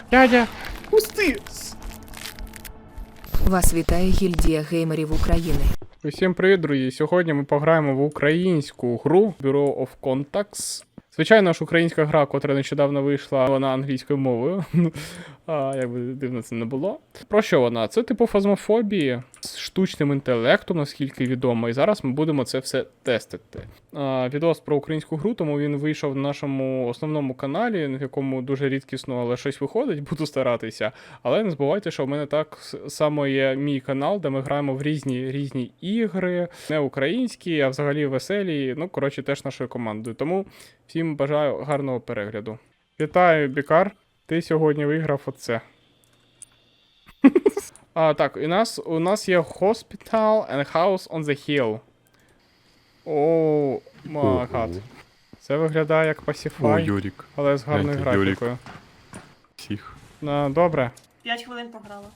Дядя, пусти! Вас вітає гільдія геймерів України. Усім привіт, друзі! Сьогодні ми пограємо в українську гру Bureau of Contacts. Звичайно ж, українська гра, котра нещодавно вийшла, вона англійською мовою. Як би дивно це не було. Про що вона? Це типу фазмофобії з штучним інтелектом, наскільки відомо. І зараз ми будемо це все тестити. Відос про українську гру, тому він вийшов на нашому основному каналі, в якому дуже рідкісно, але щось виходить, буду старатися. Але не забувайте, що в мене так само є мій канал, де ми граємо в різні ігри, не українські, а взагалі веселі. Ну, коротше, теж нашою командою. Тому всім бажаю гарного перегляду. Вітаю, Бікар. Ти сьогодні виграв оце. Так, у нас є Hospital and House on the Hill. О, май гад. Це виглядає як О, Pacify, Юрік. але з гарною Гляньте, Юрік. графікою. Всіх. Добре. 5 хвилин пограла.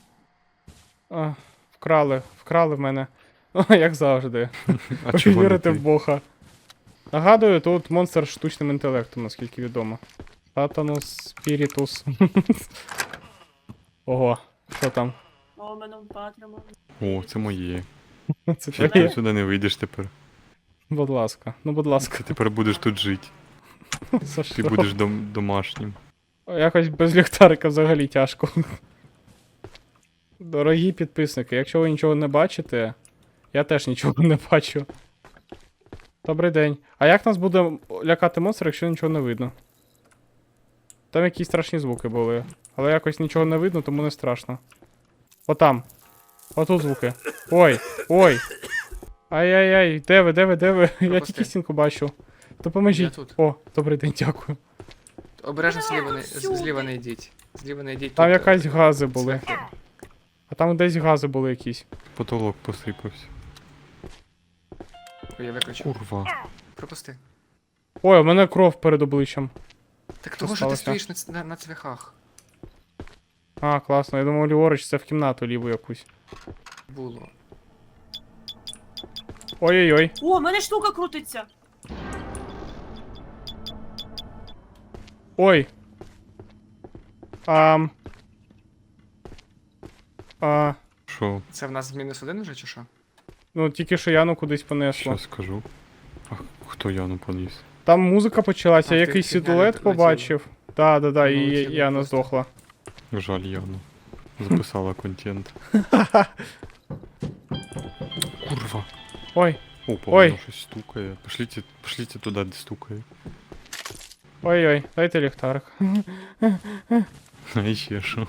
Вкрали в мене. Як завжди. А чого не Вірити ти? в Бога. Нагадую, тут монстр з штучним інтелектом, наскільки відомо. Сатанус Спірітус. Ого, що там? О, мене впатримо. О, це моє. Це Ще твоє? ти сюди не вийдеш тепер. Будь ласка, будь ласка. Ти тепер будеш тут жити. За Ти що? будеш домашнім. Якось без ліхтарика взагалі тяжко. Дорогі підписники, якщо ви нічого не бачите, я теж нічого не бачу. Добрий день. А як нас буде лякати монстр, якщо нічого не видно? Там якісь страшні звуки були. Але якось нічого не видно, тому не страшно. Отам. Отут звуки. Ой, ой. Ай-яй-яй, де ви? Я тільки стінку бачу. Допоможіть. Я тут. О, добрий день, дякую. Обережно зліва не, всюди. зліва не йдіть. Зліва не йдіть. Там тут, якась гази були. цвяхи. А там десь гази були якісь. Потолок посипався. Ой, я виключу. Курва. Пропусти. Ой, у мене кров перед обличчям. Так того, що ти сталося? стоїш на цвяхах. Класно. Я думав, ліворуч це в кімнату ліву якусь. Було. Ой-ой-ой. О, в мене штука крутиться. Ой. Що? Це в нас -1 вже чи що? Ну тільки що Яну кудись понесло. Щас скажу. А хто Яну поніс? Там музика почалася, А, я ти якийсь фігня силует летіла. побачив. Да, і летіла Яна просто. здохла. Жаль Яну. Записала контент. Курва. Ой, О, Ой. по-моєму, щось стукає. Пошліть туди, де стукає. ой-ой, дайте ліхтарик. А і ще що?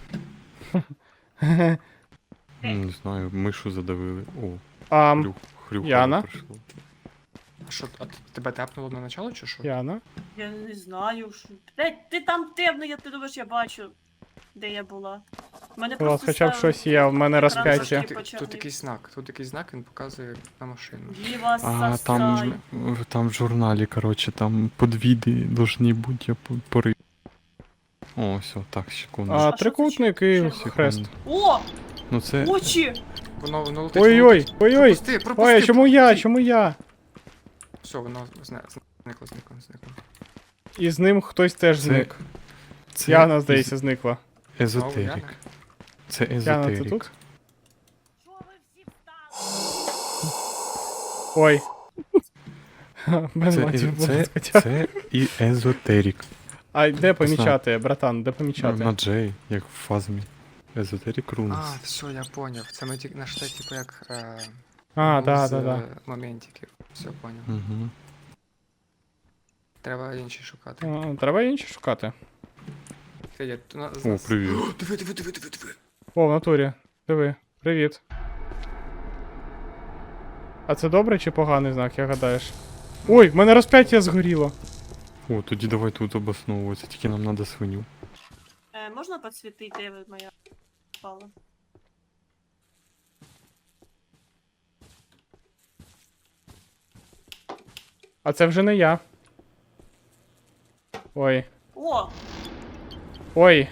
Не знаю, мишу задавили. О, хрюха Яна? прийшло. А що, тебе тепнуло на начало чи що? Яна? Я не знаю. Ти там темно, ти думаєш, я бачу, де я була. В мене У вас просто хоча б щось є, в мене екран розп'яття. трошки Тут почернів. якийсь знак, він показує на машину. Діва А сасай. там в журналі, короче, там подвіди должны бути, я пори. О, все, так, секунду. що це Трикутник і червоне? хрест. О, Ну це. очі! Воно летить. Ой-ой, ой-ой. Пропусти. Ой, чому я? Все, воно зникло. І з ним хтось теж Це- зник. Це Яна, здається, зникла. Езотерик. Яна? Це Яна, це езотерик. тут? Ой. Без Це, матів, е- будь це, ласка. це і езотерик. А де помічати, братан, де помічати? На Джей, як в фазмі. Езотерик рунс. А, все, я поняв. Це ми тільки наш типу як Да. моментиків. Все поняв. Угу. Треба інші шукати. Треба інші шукати. Федя, О, привіт. Диви. О, в натурі. Диви. Привіт. А це добре чи поганий знак, як гадаєш? Ой, в мене розп'яття згоріло. О, тоді давай тут обосновуватися, тільки нам треба свиню. Можна підсвітити, де моя впала? А це вже не я. Ой. О, Ой.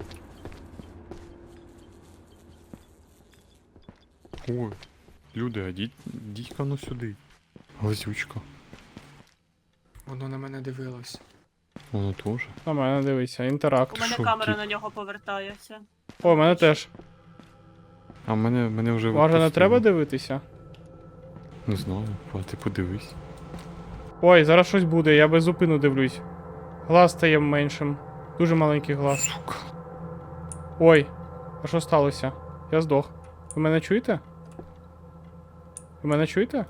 Ой, люди, а дідька ну сюди. Глазючка. Воно на мене дивилось. Воно теж. На мене дивися, У інтеракт. мене Що, камера тип? на нього повертається. О, мене теж. А мене вже Може не відпустило. треба дивитися? Не знаю, ти подивись. Ой, зараз щось буде, я без зупину дивлюсь. Глаз стає меншим. Дуже маленький глаз. Сука. Ой, а що сталося? Я здох. Ви мене чуєте? Ви мене чуєте?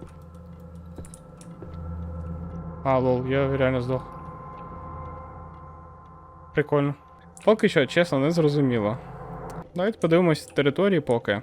А, лол, я реально здох. Прикольно. Поки що, чесно, не зрозуміло. Давайте подивимось території поки.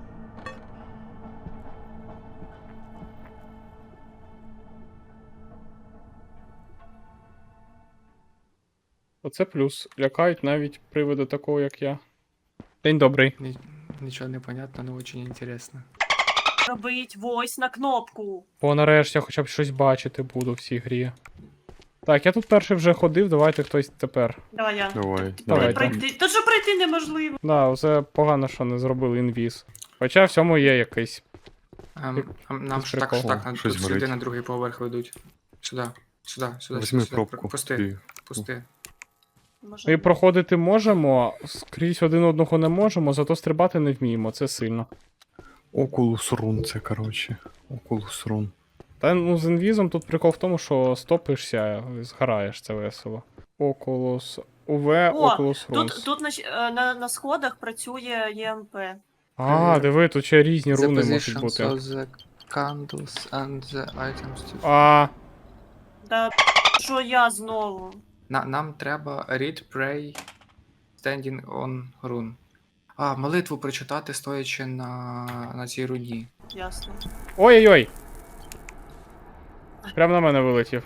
Оце плюс. Лякають навіть приводи такого, як я. День добрий. Нічого не понятно, але дуже інтересно. Робить войс на кнопку. Бо нарешті я хоча б щось бачити буду в цій грі. Так, я тут перший вже ходив, давайте хтось тепер. Давай я. Давай, Тут давай. пройти. Тут же пройти неможливо. Да, це погано, що не зробили інвіз. Хоча в цьому є якийсь. Нам ж так, прикол. ж так, нам Щось тут сюди горить. на другий поверх ведуть. Сюди, сюди, сюди. Візьми сюди. пробку. Пусти, Ти- пусти. Може... Ми проходити можемо, скрізь один одного не можемо, зато стрибати не вміємо, це сильно. Oculus Run це, коротше. Oculus Run. Та ну з інвізом тут прикол в тому, що стопишся, згораєш, це весело. Oculus UV, О, Oculus Runes. тут на сходах працює ЄМП. А, диви, тут ще різні The руни можуть positions бути. of the candles and the items to... А, Да що я знову? Нам треба read, pray, standing on rune. А, молитву прочитати, стоячи на цій руні. Ясно. ой-ой-ой! Прямо на мене вилетів.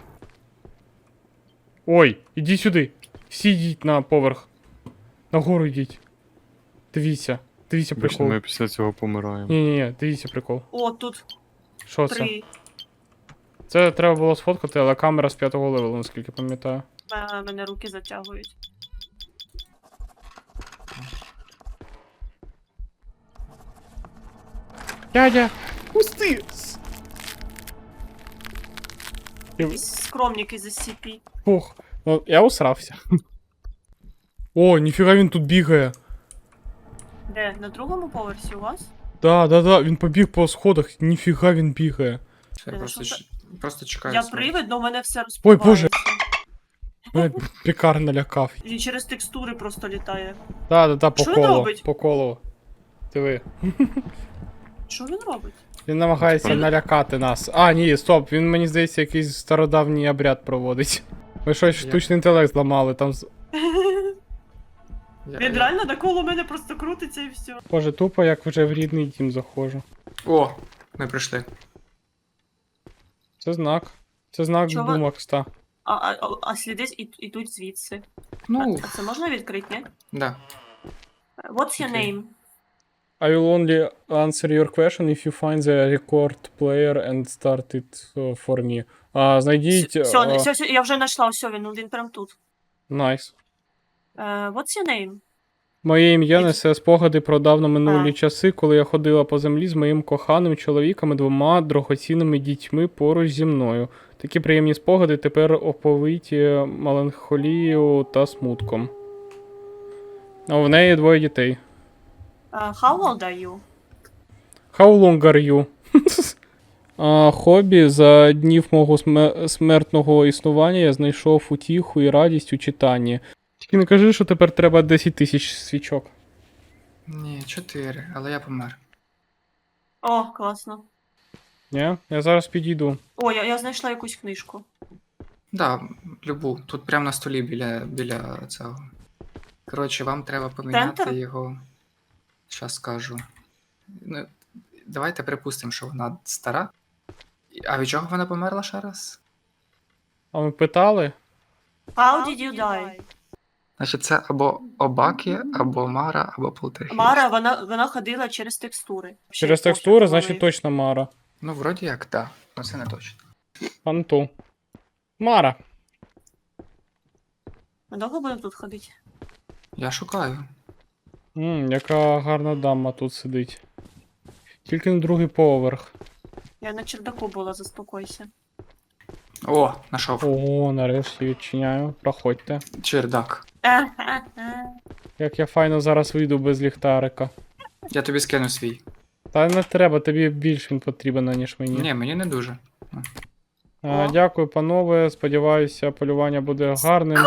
Ой, ідіть сюди. Всі йдіть на поверх. Нагору йдіть. Дивіться. Дивіться Бачите, прикол. ми після цього помираємо. Ні-ні-ні, дивіться прикол. О, тут Що це? 3. Це треба було сфоткати, але камера з 5-го левелу, наскільки пам'ятаю. Мене руки затягують. Дядя! Пусти! Якісь скромники з SCP. Фух, ну я усрався. О, ніфіга він тут бігає. Де? На другому поверсі у вас? Да, він побіг по сходах, ніфіга він бігає. Все, Ти просто, що просто чекаю. Я смерті. привид, но у мене все Ой, розпливається. Боже. Мене пікар налякав. Він через текстури просто літає. Да, по Що він колу, робить? по колу. Диви. Що він робить? Він намагається Він- налякати нас. А, ні, стоп, він мені здається якийсь стародавній обряд проводить. Ми щось Я- штучний інтелект зламали там. Він реально навколо мене просто крутиться і все. Боже, тупо як вже в рідний дім заходжу. О, ми прийшли. Це знак. Це знак Чого? Думакста. А сліди ідуть звідси. Ну, А це можна відкрити, ні? да. What's your Окей. name? I will only answer your question if you find the record player and start it for me. Знайдіть. Все, я вже знайшла, все, він прям тут. Найс. What's your name? Моє ім'я It's- несе спогади про давно минулі А. часи, коли я ходила по землі з моїм коханим чоловіком і 2 дорогоцінними дітьми поруч зі мною. Такі приємні спогади тепер оповиті меланхолією та смутком. А в неї 2 дітей. How old are you? How long are you? Хобі. За днів мого смертного існування я знайшов утіху і радість у читанні. Тільки не кажи, що тепер треба 10 тисяч свічок. Ні, 4, але я помер. О, класно. Ні? Я зараз підійду. О, я знайшла якусь книжку. Да, любу. Тут прямо на столі біля цього. Коротше, вам треба поміняти Центр? його. Щас скажу. Ну, давайте припустимо, що вона стара. А від чого вона померла ще раз? А ми питали? How did you die? Значить, це або Обакі, або Мара, або Полтергейст. Мара, вона ходила через текстури. Через Ще текстури, пофіг, значить коли- точно Мара. Ну, вроді як, так. Ну, це не точно. Анту. Мара. Ми довго будемо тут ходити? Я шукаю. Яка гарна дама тут сидить. Тільки на другий поверх. Я на чердаку була, заспокойся. О, нашов. Ого, нарешті відчиняю. Проходьте. Чердак. Як я файно зараз вийду без ліхтарика. Я тобі скину свій. Та не треба, тобі більш він потрібен, ніж мені. Ні, мені не дуже. О. Дякую, панове. Сподіваюся, полювання буде гарним.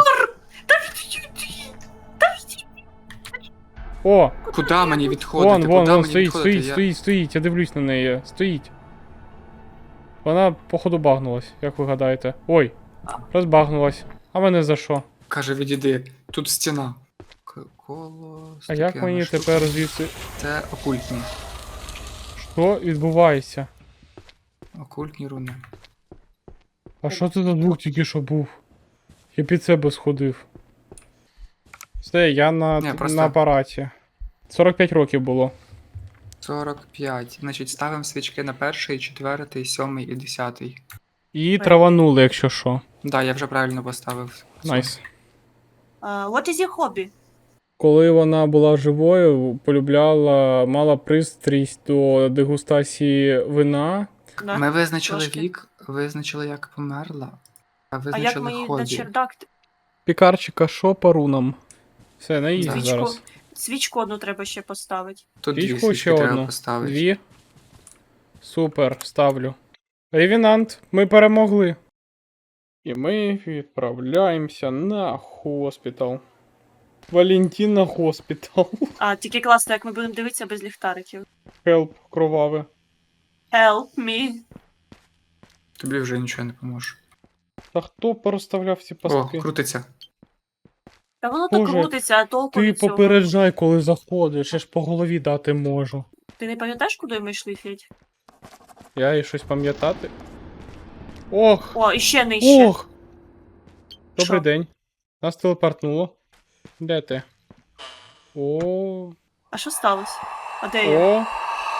О! Куди мені відходити? Вон, Куди вон, мені стоїть, відходити? стоїть. Я дивлюсь на неї. Стоїть. Вона, походу, багнулась, як ви гадаєте. Ой, розбагнулась. А мене за що? Каже, відійди. Тут стіна. Коло. А як таке, мені штука. тепер звідси. Це окультні. Що відбувається? Окультні руни. А що це за звук тільки що був? Я під себе сходив. Все, я Ні, просто- на апараті. 45 років було. 45. Значить, ставимо свічки на перший, четвертий, сьомий і 10. І траванули, якщо що. Да, я вже правильно поставив. Найс. What is your hobby? Коли вона була живою, полюбляла, мала пристрість до дегустації вина. Да. Ми визначили трошки. вік, визначили, як померла, а А як визначили мені на хобі. чердак? Пікарчика, що по рунам? Все, на ізі Да. зараз. Свічку одну треба ще поставити. Тут дві Свічку свічки ще треба одну. поставити. Дві. Супер, ставлю. Ревінант, ми перемогли. І ми відправляємося на хоспітал. Валентина хоспітал. А, тільки класно, як ми будемо дивитися без ліхтариків. Хелп кроваве. Help me. Тобі вже нічого не поможе. Та хто порозставляв ці О, пастки? крутиться. Та воно так Боже, крутиться, а толку Ти від цього. попереджай, коли заходиш, я ж по голові дати можу. Ти не пам'ятаєш, куди ми йшли, Федь? Я і щось пам'ятати. Ох! О, іще нижче. Ох! Добрий Що? день. Нас телепортнуло. Де ти? О, А що сталося? А де я? о.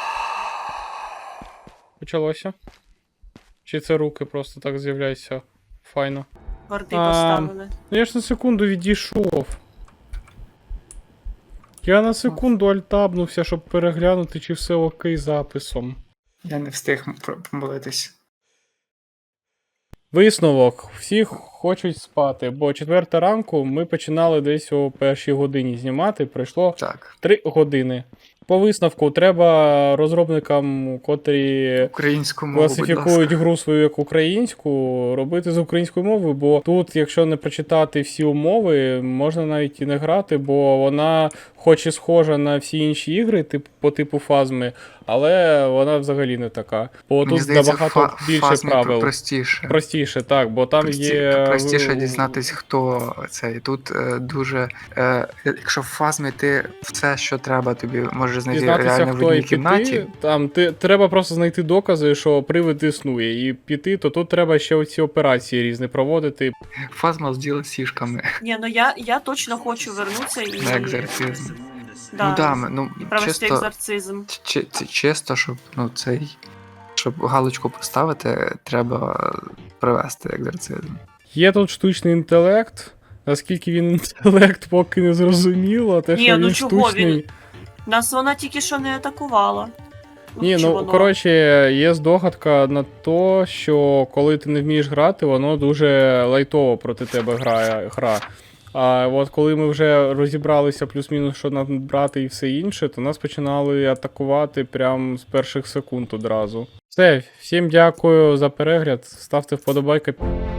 Почалося. Чи це руки просто так з'являються? Файно. Варди А, поставили. Ну я ж на секунду відійшов. Я на секунду альтабнувся, щоб переглянути, чи все окей з записом. Я не встиг помолитись. Висновок. Всі хочуть спати, бо 4 ранку ми починали десь о 1 годині знімати, пройшло Так. 3 години. По висновку треба розробникам, котрі Українську мову, будь класифікують ласка. гру свою як українську, робити з українською мовою, бо тут, якщо не прочитати всі умови, можна навіть і не грати, бо вона хоч і схожа на всі інші ігри по типу фазми, але вона взагалі не така. Бо Мені тут здається, набагато більше фазмі правил. простіше. Простіше, так, бо там є. Простіше дізнатись, хто це. І тут дуже. Якщо в фазмі ти все, що треба, тобі можеш знайти Дізнатися, реально в хто і одній піти, кімнаті. там треба просто знайти докази, що привид існує, і піти, то тут треба ще оці операції різні проводити. Фазма з сішками. Ні, ну я точно хочу вернутися і. На екзорцизм. Да. Ну да, І провести чисто, екзорцизм. чисто, щоб щоб галочку поставити, треба провести екзорцизм. Є тут штучний інтелект. Наскільки він інтелект, поки не зрозуміло, те, Ні, що ну він чого штучний. він? Нас вона тільки що не атакувала. Ні, Чи ну воно? коротше, є здогадка на то, що коли ти не вмієш грати, воно дуже лайтово проти тебе грає гра. А от коли ми вже розібралися плюс-мінус, що нам брати і все інше, то нас починали атакувати прямо з перших секунд одразу. Все, всім дякую за перегляд, ставте вподобайки.